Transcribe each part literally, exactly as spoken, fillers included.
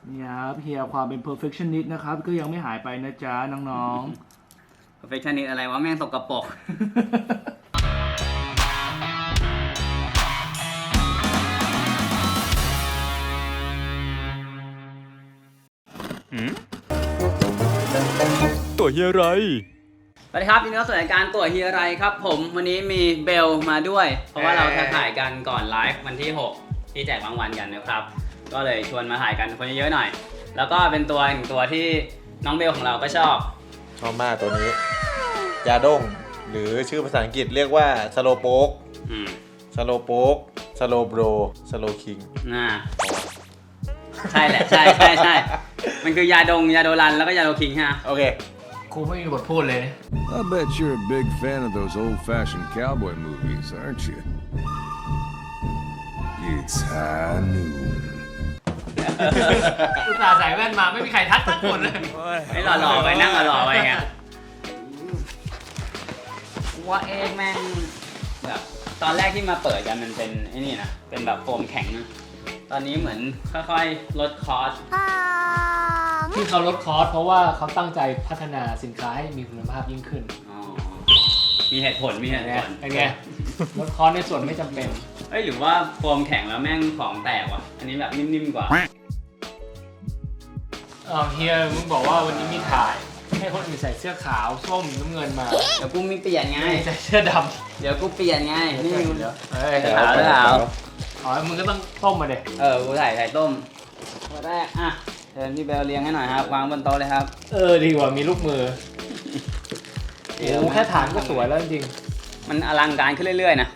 นี่ครับเฮียความเป็น perfectionist นะครับก็ยังไม่หายไปนะจ๊ะน้องๆ perfectionist อะไรวะแม่งสกปรกตัวเฮียไรสวัสดีครับยินดีต้อนรับสู่รายการตัวเฮียไรครับผมวันนี้มีเบลมาด้วยเพราะว่าเราจะถ่ายกันก่อนไลฟ์วันที่หกที่แจกรางวัลกันนะครับก็เลยชวนมาถ่ายกันคนเยอะๆหน่อยแล้วก็เป็นตัวหนึ่งตัวที่น้องเบลของเราก็ชอบชอบมากตัวนี้ยาด้งหรือชื่อภาษาอังกฤษเรียกว่าสโลโป๊กสโลโป๊กสโลโบรสโลคิงน่าใช่แหละใช่ใช่ใช่มันคือยาดงยาโดรันแล้วก็ยาโดคิงฮะโอเคครูไม่มีบทพูดเลย I bet you're a big fan of those old-fashioned cowboy movies, aren't you? It's high noon. อุตส่าห์ใส่แว่นมาไม่มีใครทักสักคนเลยไม่หล่อๆไปนั่งหล่อๆไปไงว่าเองแม่งแบบตอนแรกที่มาเปิดกันมันเป็นไอ้นี่นะเป็นแบบโฟมแข็งนะตอนนี้เหมือนค่อยๆลดคอสที่เขาลดคอสเพราะว่าเขาตั้งใจพัฒนาสินค้าให้มีคุณภาพยิ่งขึ้นมีเหตุผลมีเหตุผลไงลดคอสในส่วนไม่จำเป็นเอ้ยหรือว่าโฟมแข็งแล้วแม่งของแตกว่ะอันนี้แบบนิ่มๆกว่าเออเฮียมึงบอกว่าวันนี้มีถ่ายให้คนอื่นใส่เสื้อขาวส้มน้ำเงินมาเดี๋ยวกูมีเปลี่ยนไงใส่เสื้อดำเดี๋ยวกูเปลี่ยนไงนี่เดี๋ยวเฮ้ยขาวขาวอ๋อมึงก็ต้องต้มมาเด็เออกูใส่ใส่ต้มตัวแรกอ่ะเชิญพี่เบลเลี้ยงให้หน่อยครับวางบนโต๊ะเลยครับเออดีกว่ามีลูกมือโอ้แค่ฐานก็สวยแล้วจริงมันอลังการขึ้นเรื่อยๆนะ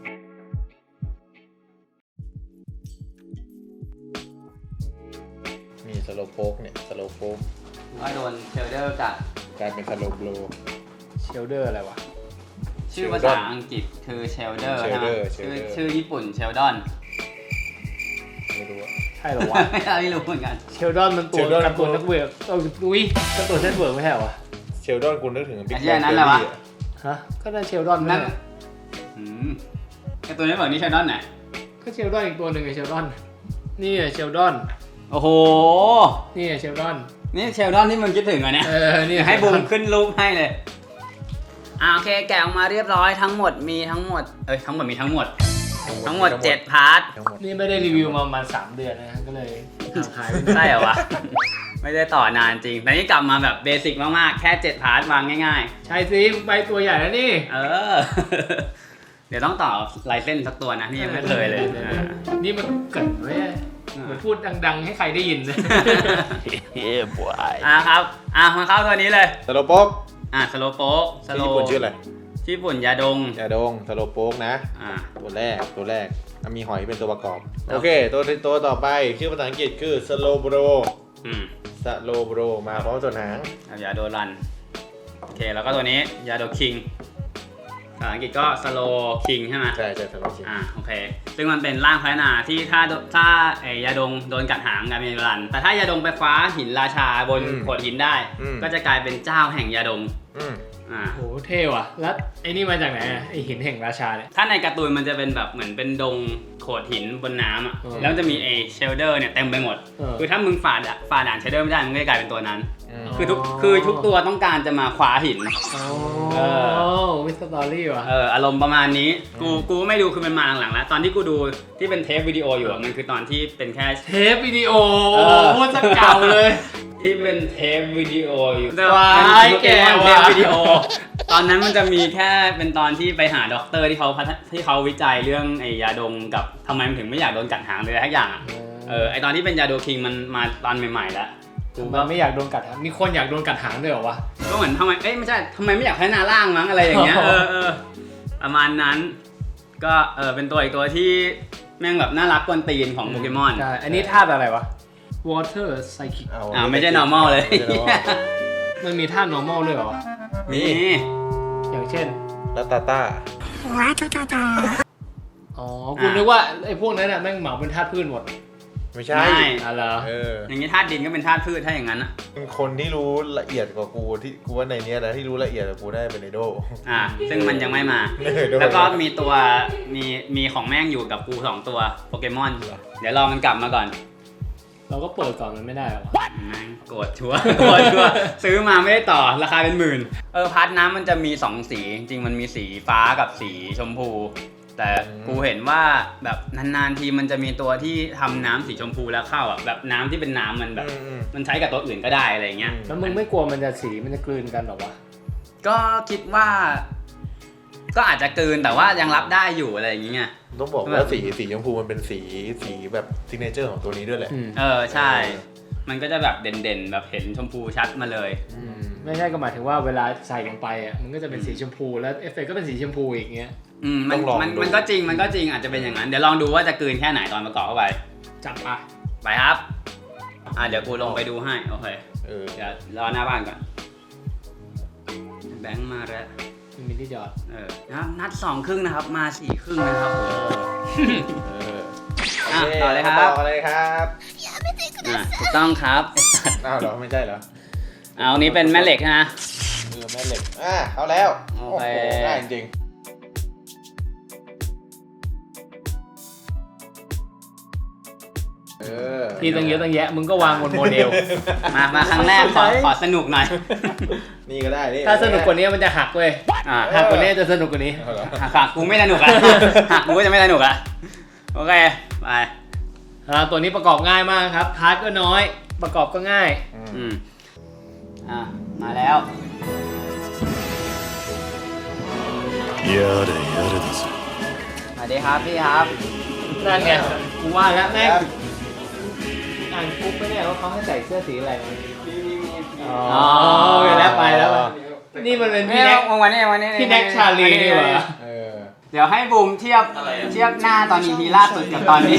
มีสโลโป๊กเนี่ยสโลโป๊กก็โดนเชลเดอร์กัดกลายเป็นสโลโบรเชลเดอร์อะไรวะชื่อภาษาอังกฤษคือเชลเดอร์ใช่ไหมชื่อชื่อญี่ปุ่นเชลดอนไม่รู้ใช่หรอวะไม่รู้เหมือนกันเชลดอนมันตัวการ์ตูนนักเวิร์กเอออุ้ยการ์ตูนเน็ตเวิร์กไม่ใช่หรอวะเชลดอนกูนึกถึงบิ๊กแบงนั่นแหละวะฮะก็ได้เชลดอนนั่นอืมการ์ตูนเน็ตเวิร์กนี่เชลดอนไหนก็เชลดอนอีกตัวหนึ่งไอ้เชลดอนนี่เชลดอนโอ้โหนี่เชลดอนนี่เชลดอนที่มึงคิดถึงเหรอเนี่ยเออนี่ให้บูมขึ้นรูปให้เลยอ่าโอเคแกะออกมาเรียบร้อยทั้งหมดมีทั้งหมดเอ้ยทั้งหมดมีทั้งหมดทั้งหมดเจ็ดพาร์ทนี่ไม่ได้รีวิวมาประมาณสามเดือนนะก็เลยหายใช่เหรอวะไม่ได้ต่อนานจริงแต่นี่กลับมาแบบเบสิกมากๆแค่เจ็ดพาร์ทวางง่ายๆใช่สิใบตัวใหญ่แล้วนี่เออเดี๋ยวต้องต่อลายเส้นสักตัวนะนี่ยังไม่เคยเลยนี่มันเกิดไว้เหมือนพูดดังๆให้ใครได้ยินเลยเฮ้ยบอยอ่ะครับอ่ะมาเข้าตัวนี้เลยสโลโป๊กอ่ะสโลโป๊กสโลญี่ปุ่นชื่ออะไรญี่ปุ่นยาดงยาดงสโลโป๊กนะอ่าตัวแรกตัวแรกมีหอยเป็นตัวประกอบโอเคตัวตัวต่อไปชื่อภาษาอังกฤษคือสโลโบรอืมสโลโบรมาพร้อมส่วนหางยาโดรันโอเคแล้วก็ตัวนี้ยาโดคิงภาษาอังกฤษก็สโลคิงใช่ไหมใช่ใช่สโลคิงอ่าโอเคซึ่งมันเป็นร่างพัฒนาที่ถ้าถ้าไอยาดงโดนกัดหางกลายเป็นยาโดรันแต่ถ้ายาดงไปคว้าหินราชาบนโขดหินได้ก็จะกลายเป็นเจ้าแห่งยาดงอ่าโหเท่ว่ะแล้วไอ้นี่มาจากไหนไอหินแห่งราชาเนี่ยถ้าในการ์ตูนมันจะเป็นแบบเหมือนเป็นดงโขดหินบนน้ำอ่ะแล้วจะมีไอเชลเดอร์เนี่ยเต็มไปหมดคือถ้ามึงฝ่าฝ่าด่านเชลเดอร์ไม่ได้มึงก็จะกลายเป็นตัวนั้นคือทุกคือทุกตัวต้องการจะมาคว้าหินเออวิสตอรี่ว่ะเอออารมณ์ประมาณนี้กูกูไม่ดูคือมันมาหลังๆแล้วตอนที่กูดูที่เป็นเทปวิดีโออยู่มันคือตอนที่เป็นแค่เทปวิดีโอโคตรเก่าเลยที่เป็นเทปวิดีโออยู่ว้ายแกเทปวิดีโอตอนนั้นมันจะมีแค่เป็นตอนที่ไปหาด็อกเตอร์ที่เขาที่เขาวิจัยเรื่องไอยาดงกับทำไมมันถึงไม่อยากโดนกัดหางเลยทุกอย่างอ่ะเออไอตอนที่เป็นยาโดคิงมันมาตอนใหม่ๆแล้วกูมันไม่อยากโดนกัดหางมีคนอยากโดนกัดหางด้วยเหรอวะก็เหมือนทำไมเอ้ยไม่ใช่ทำไมไม่อยากพัฒนาร่างมั้งอะไรอย่างเงี้ยเออเออประมาณนั้นก็เออเป็นตัวอีกตัวที่แม่งแบบน่ารักกวนตีนของโปเกมอนใช่อันนี้ธาตุอะไรวะ Water Psychic อ่าไม่ใช่ normal เลยมันมีธาตุ normal ด้วยเหรอมีอย่างเช่นลัตตาต้าอ๋อคุณนึกว่าไอ้พวกนั้นน่ะแม่งเหมาเป็นธาตุพืชหมดไม่ใช่อะไรเอออย่างนี้ธาตุดินก็เป็นธาตุพืชถ้าอย่างนั้นนะเป็นคนที่รู้ละเอียดกว่ากูที่กูว่าในนี้นะที่รู้ละเอียดกว่ากูได้เป็นไอโดอ่าซึ่งมันยังไม่มาแล้วก็มีตัวมีมีของแม่งอยู่กับกูสองตัวโปเกมอนเดี๋ยวรอมันกลับมาก่อนเราก็เปิดก่อนมันไม่ได้หรอแม่งโกรธชัวร์โกรธชัวร์ซื้อมาไม่ได้ต่อราคาเป็นหมื่นเออพัดน้ำมันจะมีสองสีจริงๆมันมีสีฟ้ากับสีชมพูแต่กูเห็นว่าแบบนานๆทีมันจะมีตัวที่ทำน้ำสีชมพูแล้วเข้าอ่ะแบบน้ำที่เป็นน้ำมันแบบมันใช้กับตัวอื่นก็ได้อะไรเงี้ยแล้วมึงไม่กลัวมันจะสีมันจะกลืนกันหรอวะก็คิดว่าก็อาจจะกลืนแต่ว่ายังรับได้อยู่อะไรอย่างเงี้ยต้องบอกว่าสีสีชมพูมันเป็นสีสีแบบซิกเนเจอร์ของตัวนี้ด้วยแหละเออใช่มันก็จะแบบเด่นๆแบบเห็นชมพูชัดมาเลยไม่ใช่ก็หมายถึงว่าเวลาใส่ลงไปอ่ะมันก็จะเป็นสีชมพูแล้วเอฟเฟกต์ก็เป็นสีชมพูอีกเงี้ยอืมมันมันมันก็จริงมันก็จริงอาจจะเป็นอย่างนั้นเดี๋ยวลองดูว่าจะกลืนแค่ไหนตอนประกอบเข้าไปจับไปไปครับอ่ะเดี๋ยวกูลงไปดูให้โอเคเออเดี๋ยวรอหน้าบ้านก่อนแบงค์มาแล้วมินที่จอดเออนะครับนัดสองครึ่งนะครับมาสี่ครึ่งนะครับผมเอออ่ะต่อเลยครับต่อเลยครับอ่ะถูกต้องครับอ้าวเหรอไม่ใช่เหรอเอานี้เป็นแม่เหล็กนะเออแม่เหล็กอ่ะเอาแล้วโอเคง่ายจริงที่ตั้งเยอะตั้งแยะมึงก็วางบนโมเดลมามาครั้งแรกขอขอสนุกหน่อยนี่ก็ได้ถ้าสนุกกว่านี้มันจะหักเว้ยหักกว่านี้จะสนุกกว่านี้หักกูไม่สนุกอ่ะหักกูก็จะไม่สนุกอ่ะโอเคไปตัวนี้ประกอบง่ายมากครับพาร์ทก็น้อยประกอบก็ง่ายอืมอ่ะมาแล้วやれやれだぞสวัสดีครับพี่ครับนั่นไงกูว่าแล้วแม่งอ่านปุ๊บไม่แน่ว่าเขาให้ใส่เสื้อสีอะไรอ๋อไปแล้วไปแล้วนี่มันเป็นพี่แน็กวันนี้วันนี้พี่แน็กชาลีนี่หว่าเดี๋ยวให้บูมเทียบเทียบหน้าตอนอีพีล่าสุดกับตอนนี้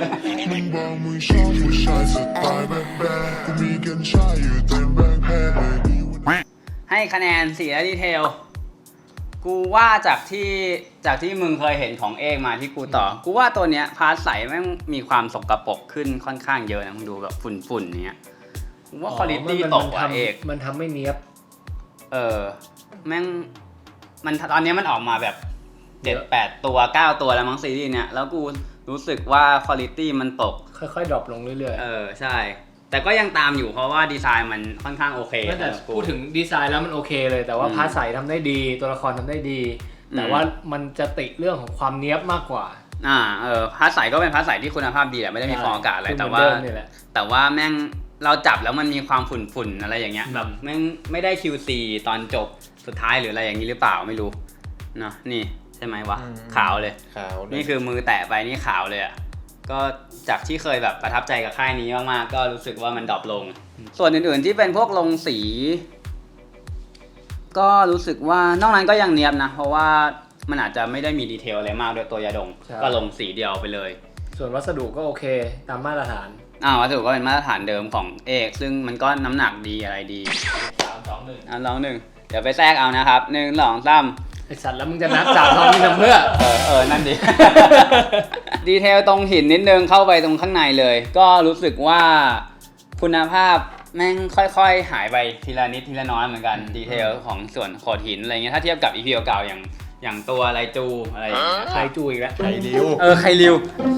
ให้คะแนนสีและดีเทลกูว่าจากที่จากที่มึงเคยเห็นของเอกมาที่กูต่อกูว่าตัวเนี้ยพาร์ทใสแม่งมีความสกปรกขึ้นค่อนข้างเยอะนะมึงดูแบบฝุ่นๆเนี้ยกูว่าควอลิตี้ตกกว่าเอกมันทำไม่เนียบเออแม่งมันตอนนี้มันออกมาแบบเจ็ดแปดตัวเก้าตัวแล้วมั้งซีรีส์เนี้ยแล้วกูรู้สึกว่าควอลิตี้มันตกค่อยๆดรอปลงเรื่อยๆเออใช่แต่ก็ยังตามอยู่เพราะว่าดีไซน์มันค่อนข้างโอเคแต่พูดถึงดีไซน์แล้วมันโอเคเลยแต่ว่าพาร์ทใสทำได้ดีตัวละครทำได้ดีแต่ว่ามันจะติเรื่องของความเนียบมากกว่าอ่าเออพาร์ทใสก็เป็นพาร์ทใสที่คุณภาพดีแหละไม่ได้มีฟองอากาศอะไรแต่ว่าแต่ว่าแม่งเราจับแล้วมันมีความฝุ่นๆอะไรอย่างเงี้ยแบบแม่งไม่ได้ คิว ซี ตอนจบสุดท้ายหรืออะไรอย่างนี้หรือเปล่าไม่รู้เนาะนี่ใช่ไหมวะขาวเลยขาวนี่คือมือแตะไปนี่ขาวเลยอ่ะก็จากที่เคยแบบประทับใจกับค่ายนี้มากๆก็รู้สึกว่ามันดรอปลงส่วนอื่นๆที่เป็นพวกลงสีก็รู้สึกว่านอกนั้นก็ยังเนียบนะเพราะว่ามันอาจจะไม่ได้มีดีเทลอะไรมากด้วยตัวยาดองก็ลงสีเดียวไปเลยส่วนวัสดุก็โอเคตามมาตรฐานอ่าวัสดุก็เป็นมาตรฐานเดิมของเอกซึ่งมันก็น้ำหนักดีอะไรดีสามสองหนึ่งอ่ะลองหนึ่งเดี๋ยวไปแทรกเอานะครับหนึ่งสองสามไอสัตว์แล้วมึงจะนับสามสองนี่ทำเพื่อเออเออนั่นดิดีเทลตรงหินนิดนึงเข้าไปตรงข้างในเลยก็รู้สึกว่าคุณภาพแม่งค่อยๆหายไปทีละนิดทีละน้อยเหมือนกันดีเทลของส่วนโขดหินอะไรเงี้ยถ้าเทียบกับอีพีเก่าๆอย่างอย่างตัวไรจูอะไรไคจูอีกแล้วไคริวเออไคริว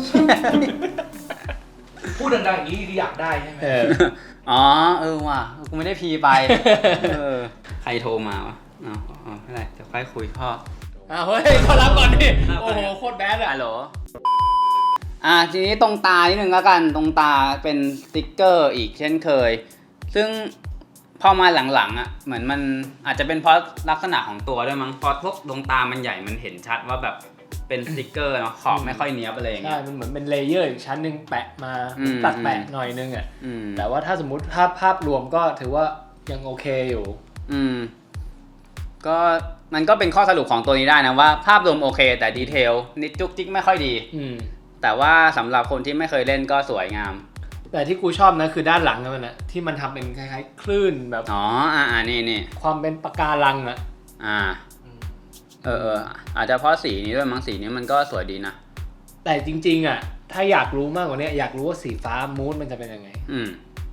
พูดดังๆอย่างนี้อยากได้ใช่ไหมอ๋อเออว่ะกูไม่ได้พีไปเออใครโทรมาวะอ๋ออ๋อไม่ไรจะค่อยคุยพ่ออ้าวเฮ้ยขอรับก่อนดิโอ้โหโคตรแบดอะฮัลโหลอ่ะทีนี้ตรงตานิดนึงแล้วกันตรงตาเป็นสติ๊กเกอร์อีกเช่นเคยซึ่งพอมาหลังๆอ่ะเหมือนมันอาจจะเป็นเพราะลักษณะของตัวด้วยมั้งพอพวกดวงตามันใหญ่มันเห็นชัดว่าแบบเป็นสติ๊กเกอร์เนาะขอบไม่ค่อยเนี้ยบอะไรอย่างเงี้ยใช่มันเหมือนเป็นเลเยอร์อีกชั้นนึงแปะมาตัดแปะหน่อยนึงอ่ะแต่ว่าถ้าสมมุติภาพภาพรวมก็ถือว่ายังโอเคอยู่อืมก็มันก็เป็นข้อสรุปของตัวนี้ได้นะว่าภาพรวมโอเคแต่ดีเทลนิดจุกจิกไม่ค่อยดีแต่ว่าสำหรับคนที่ไม่เคยเล่นก็สวยงามแต่ที่กูชอบนะคือด้านหลังมันนะที่มันทำเป็นคล้ายๆคลื่นแบบอ๋ออ่าอ่านี่นี่ความเป็นปะการังอ่ะอ่าเออเอออาจจะเพราะสีนี้ด้วยมั้งสีนี้มันก็สวยดีนะแต่จริงๆอ่ะถ้าอยากรู้มากกว่านี้อยากรู้ว่าสีฟ้ามูดมันจะเป็นยังไงอืม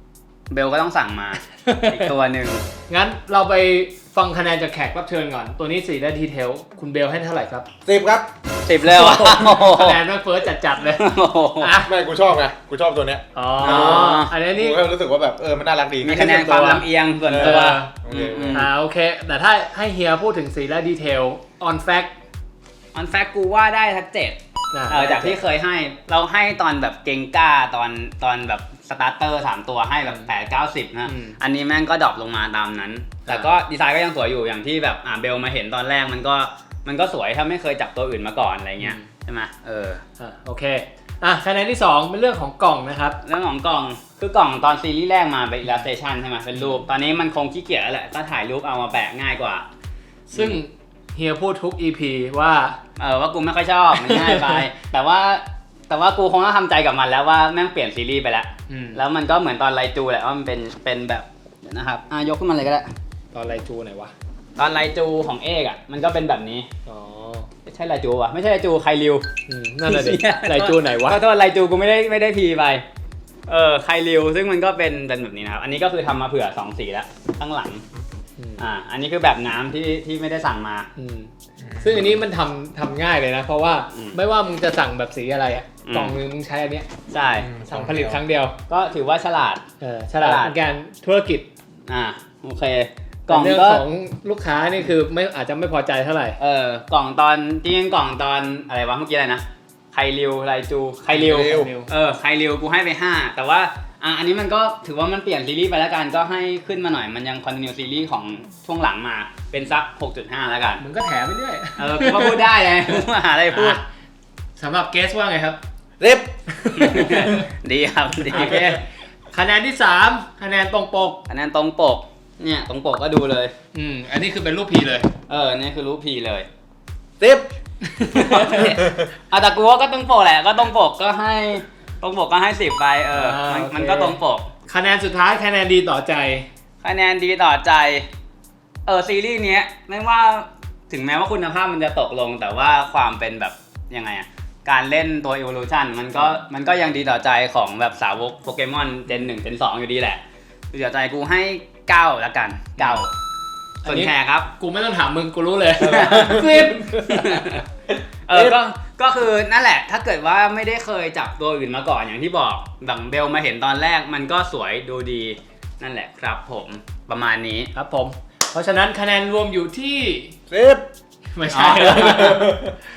เบลก็ต้องสั่งมา อีกตัวหนึ่งงั้นเราไปฟังคะแนนจากแขกรับเชิญก่อนตัวนี้สี่ได้ดีเทลคุณเบลให้เท่าไหร่ครับสิบครับสิบเลยว่ะคะแนนแม่งเฟิร์สจัดๆเลยอ่ะไม่กูชอบไงกูชอบตัวเนี้ยอ๋ออันนี้กูนี่ก็รู้สึกว่าแบบเออมันน่ารักดีมีคะแนนความลำเอียงส่วนตัวโอเคอืมอ่าโอเค แต่ถ้าให้เฮียพูดถึงสีและดีเทล on fact ออนแฟกกูว่าได้ทักเจ็ดนะเออจากที่เคยให้เราให้ตอนแบบเกงก้าตอนตอนแบบสตาร์เตอร์สามตัวให้แบบแปด เก้า สิบนะอันนี้แม่งก็ดรอปลงมาตามนั้น แต่ก็ดีไซน์ก็ยังสวยอยู่อย่างที่แบบอ่าเบลมาเห็นตอนแรกมันก็มันก็สวยถ้าไม่เคยจับตัวอื่นมาก่อนอะไรเงี้ยใช่ไหมเอออ่ะโอเคอ่ะคะแนนที่สองเป็นเรื่องของกล่องนะครับเรื่องของกล่องคือกล่องตอนซีรีส์แรกมาเป็น illustration ใช่ไหมเป็นรูปตอนนี้มันคงขี้เกียจแล้วแหละก็ถ่ายรูปเอามาแปะง่ายกว่าซึ่งเฮียพูดทุก อี พี ว่าเออว่ากูไม่ค่อยชอบมันง่ายไป แต่ว่าแต่ว่ากูคงต้องทำใจกับมันแล้วว่าแม่งเปลี่ยนซีรีส์ไปแล้วอืมแล้วมันก็เหมือนตอนไลจูแหละว่ามันเป็นเป็นแบบเดี๋ยวนะครับอ่ะยกขึ้นมาเลยก็ได้ตอนไรจูไหนวะตอนไลจูของเอกอ่ะมันก็เป็นแบบนี้อ๋อไม่ใช่ไลจูวะไม่ใช่ไลจูไคริวอืมนั่นแหละดิไรจูไหนวะขอโทษไลจูกูไม่ได้ไม่ได้พีไปเออไคริวซึ่งมันก็เป็นเป็นแบบนี้นะครับอันนี้ก็คือทำมาเผื่อสองสีแล้วข้างหลังอืมอ่าอันนี้คือแบบน้ำที่ที่ไม่ได้สั่งมาอืมซึ่งอันนี้มันทำทำง่ายเลยนะ เพราะว่าอืมไม่ว่ามึงจะสั่งแบบสีอะไรอ่ะอืมกล่องนึงมึงใช้อันเนี้ยใช่สั่งผลิตครั้งเดียวก็ถือว่าฉลาดเออฉลาดฉลาดในการธุรกิจอ่าโอเคกล่องแต่เรื่องก็ของลูกค้านี่คือไม่อาจจะไม่พอใจเท่าไหร่เออกล่องตอนจริงๆกล่องตอนอะไรวะเมื่อกี้อะไรนะไคริวไลจูไคริวไคริวเออไคริวกูให้ไปห้าแต่ว่าอ่ะอันนี้มันก็ถือว่ามันเปลี่ยนซีรีส์ไปแล้วกันก็ให้ขึ้นมาหน่อยมันยังคอนติเนียซีรีส์ของช่วงหลังมาเป็นสัก หกจุดห้า แล้วกันมึงก็แถมไปเรื่อยเออกูก็พูดได้ไงกูหาอะไรพูดอ่ะสำหรับเกสว่าไงครับสิบดีครับดีโอเคคะแนนที่สามคะแนนตรงปกอันนั้นตรงปกเนี่ยตรงปกก็ดูเลยอืมอันนี้คือเป็นรูปพีเลยเออนี่คือรูปพีเลยสิบอ่ะแต่กูว่าก็ตรงปกแหละก็ตรงปกก็ให้ตรงปกก็ให้สิบไปเออมันมันก็ตรงปกคะแนนสุดท้ายคะแนนดีต่อใจคะแนนดีต่อใจ เออซีรีส์เนี้ยไม่ว่าถึงแม้ว่าคุณภาพมันจะตกลง แต่ว่าความเป็นแบบยังไงอะการเล่นตัว Evolution มันก็มันก็ยังดีต่อใจของแบบสาวกโปเกมอนเจนหนึ่งเจนสองอยู่ดีแหละดีต่อใจกูให้เก้าละกันเก้าส่วนแขกครับกูไม่ต้องถามมึงกูรู้เลยสิบเออก็ก็คือนั่นแหละถ้าเกิดว่าไม่ได้เคยจับตัวอื่นมาก่อนอย่างที่บอกดังเบลมาเห็นตอนแรกมันก็สวยดูดีนั่นแหละครับผมประมาณนี้ครับผม เพราะฉะนั้นคะแนนรวมอยู่ที่สิบไม่ใช่อ๋อ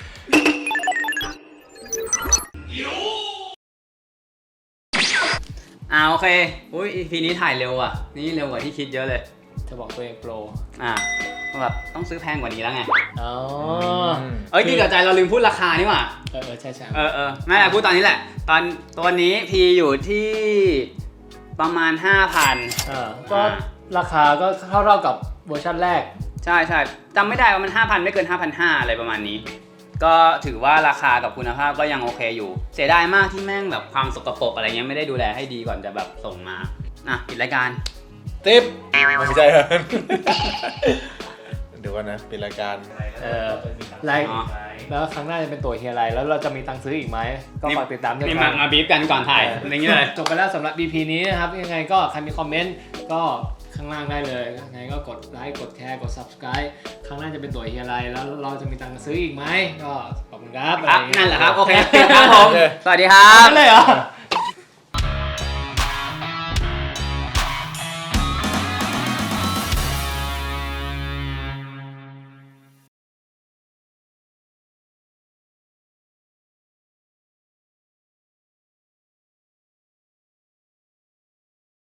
อ่าโอเคอุ้ย อี พี นี้ถ่ายเร็วอ่ะนี่เร็วกว่าที่คิดเยอะเลยจะบอกตัวเองโปรอ่าแบบต้องซื้อแพงกว่านี้แล้วไงอ๋อเอ้ยดีต่อใจเราลืมพูดราคานี่หว่าเออเออใช่ใช่เออเออไม่เป็นไรพูดตอนนี้แหละ ตอนตัวนี้พีอยู่ที่ประมาณ ห้าพันอ่าก็ราคาก็เท่าเท่ากับเวอร์ชันแรกใช่ใช่จำไม่ได้ว่ามัน ห้าพัน ไม่เกิน ห้าพันห้าร้อย อะไรประมาณนี้ ก็ถือว่าราคากับคุณภาพก็ยังโอเคอยู่ เสียดายมากที่แม่งแบบความสกปรกอะไรเงี้ยไม่ได้ดูแลให้ดีก่อนจะแบบส่งมาอ่ะปิดรายการสิบไม่ใช่เหรอเดี๋ยวก่อนนะเป็นรายการเออไลค์อ๋อแล้วครั้งหน้าจะเป็นตัวเฮียอะไร แล้วเราจะมีตังค์ซื้ออีกไหม ก็ฝากติดตามด้วยนี่คมารับมาบีฟกันก่อนถ่ายอะไรเงี้ยเลยจบไปแล้วสำหรับ อี พี นี้นะครับ ยังไงก็ใครมีคอมเมนต์ก็ข้างล่างได้เลยยังไงก็กดไลค์กดแชร์กด subscribe ครั้งหน้าจะเป็นตัวเฮียอะไร แล้วเราจะมีตังค์ซื้ออีกไหมก็ขอบคุณครับครับอไอย่างเงี้ยนั่นแหละครับ โอเคครับผมโอเคสวัสดีครับนั่นเลยเหรอ